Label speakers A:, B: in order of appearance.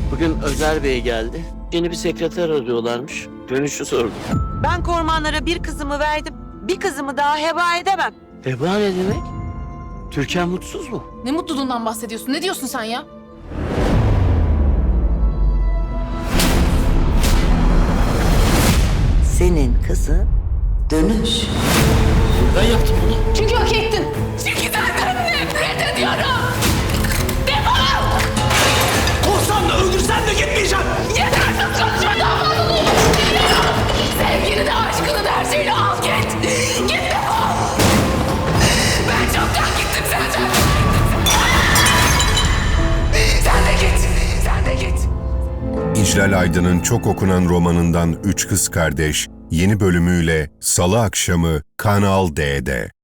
A: Bugün Özer Bey geldi. Yeni bir sekreter arıyorlarmış. Dönüşü sordum.
B: Ben kormanlara bir kızımı verdim. Bir kızımı daha heba edemem.
A: Eba ne demek? Türkan mutsuz mu?
C: Ne mutluluğundan bahsediyorsun? Ne diyorsun sen ya?
B: Senin kızın Dönüş.
A: Ben yaptım bunu.
C: Çünkü hak ettin. Çünkü senden nefret ediyorum. Defol!
D: Korsan da öldürsen de gitmeyeceğim.
C: Yetersiz konuşma, daha fazla duymak istemiyorum. Sevgini de aşkını da her şeyini al git. Git defol. Ben çoktan gittim senden. Sen de git. Sen de git.
E: İclal Aydın'ın çok okunan romanından Üç Kız Kardeş yeni bölümüyle Salı akşamı Kanal D'de.